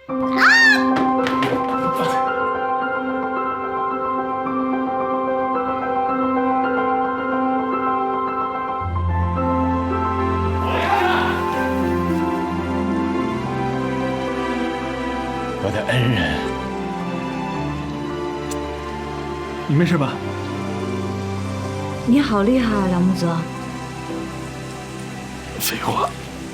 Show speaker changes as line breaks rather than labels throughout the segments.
我的恩人，
你没事吧？
你好厉害啊，梁木泽！
废话。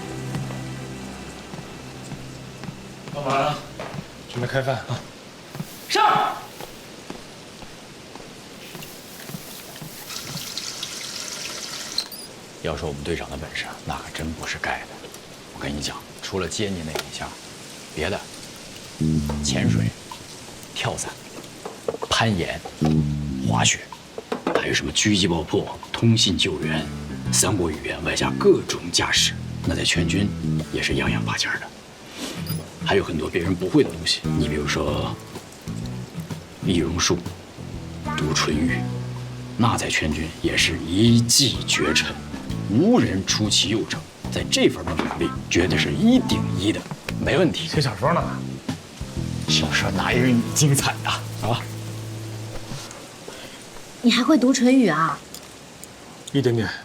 老板，准备开饭啊！
上。要说我们队长的本事，那可真不是盖的。我跟你讲，除了接你那一下，别的，潜水、跳伞、攀岩、滑雪，还有什么狙击爆破、通信救援、3国语言，外加各种驾驶，那在全军也是样样拔尖的。还有很多别人不会的东西，你比如说易容术、读唇语，那在全军也是一骑绝尘，无人出其右者。在这方面的能力，绝对是1顶1的，没问题。
写小说呢？
小说哪有你精彩呀？啊！
你还会读唇语啊？
一点点。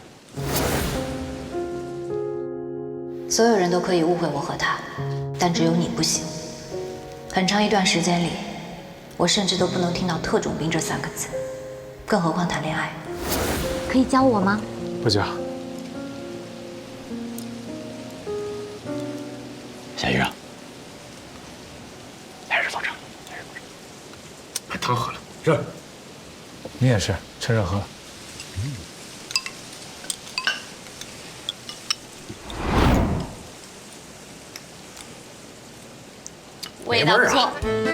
所有人都可以误会我和他，但只有你不行。很长一段时间里，我甚至都不能听到特种兵这3个字，更何况谈恋爱。可以教我吗？
不教。
夏医生，还是坐这儿，
把汤喝了。是。你也是，趁热喝。
味道不错。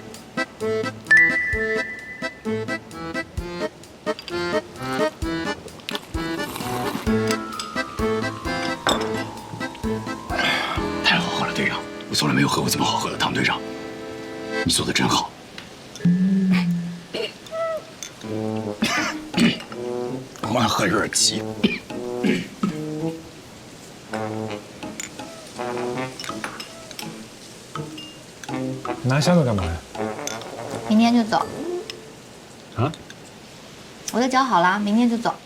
太好喝了，队长！我从来没有喝过这么好喝的汤，队长，你做的真好。我喝有点急。
拿箱子干嘛呀？
明天就走。
啊？
我都搅好了，明天就走。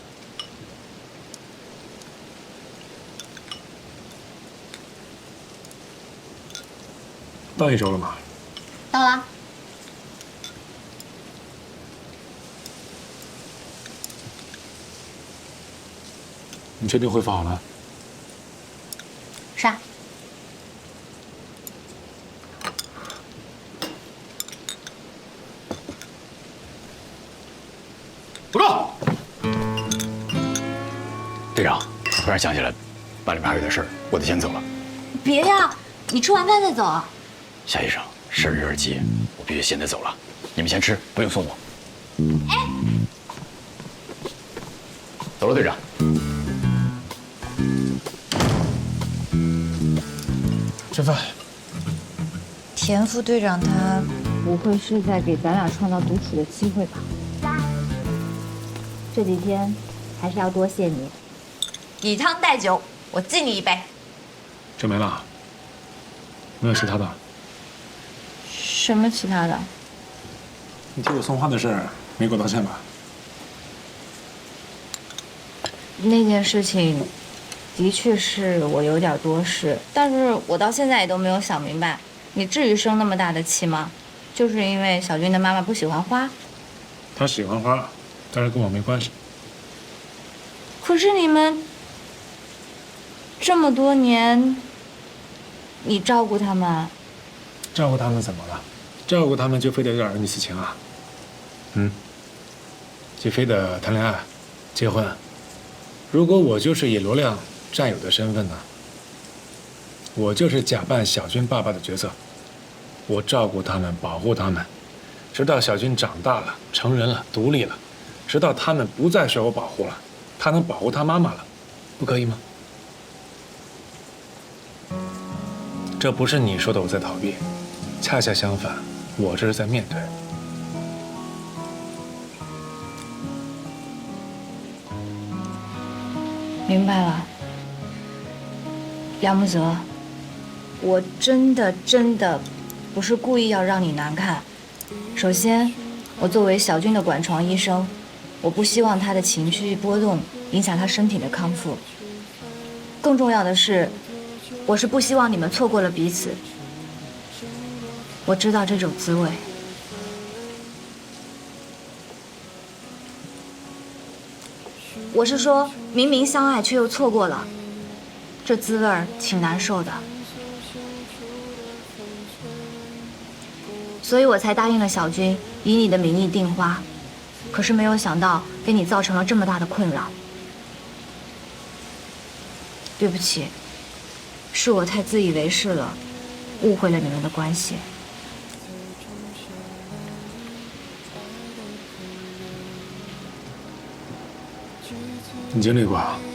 到1周了吗？
到了。
你确定恢复好了？
是啊。
报告，队长，我突然想起来，班里面还有点事儿，我得先走了。
别呀，你吃完饭再走啊。
夏医生，事儿有点急，我必须现在走了。你们先吃，不用送我。
哎，
走了，队长。
吃饭。
田副队长他不会是在给咱俩创造独处的机会吧？这几天还是要多谢你，以汤代酒，我敬你一杯。
就没了？没有其他的？
什么其他的？
你替我送花的事儿没给我道歉吧？
那件事情的确是我有点多事，但是我到现在也都没有想明白，你至于生那么大的气吗？就是因为小军的妈妈不喜欢花？
他喜欢花，但是跟我没关系。
可是你们这么多年，你照顾他们，
照顾他们怎么了？照顾他们就非得有点儿恩义私情啊？就非得谈恋爱、结婚？如果我就是以罗亮战友的身份呢？我就是假扮小军爸爸的角色，我照顾他们，保护他们，直到小军长大了、成人了、独立了，直到他们不再受我保护了，他能保护他妈妈了，不可以吗？这不是你说的我在逃避，恰恰相反，我这是在面对。
明白了，梁木泽，我真的不是故意要让你难看。首先，我作为小军的管床医生，我不希望他的情绪波动影响他身体的康复。更重要的是，我是不希望你们错过了彼此。我知道这种滋味。我是说，明明相爱却又错过了，这滋味儿挺难受的。所以我才答应了小军，以你的名义订花，可是没有想到给你造成了这么大的困扰。对不起，是我太自以为是了，误会了你们的关系。
你经历过，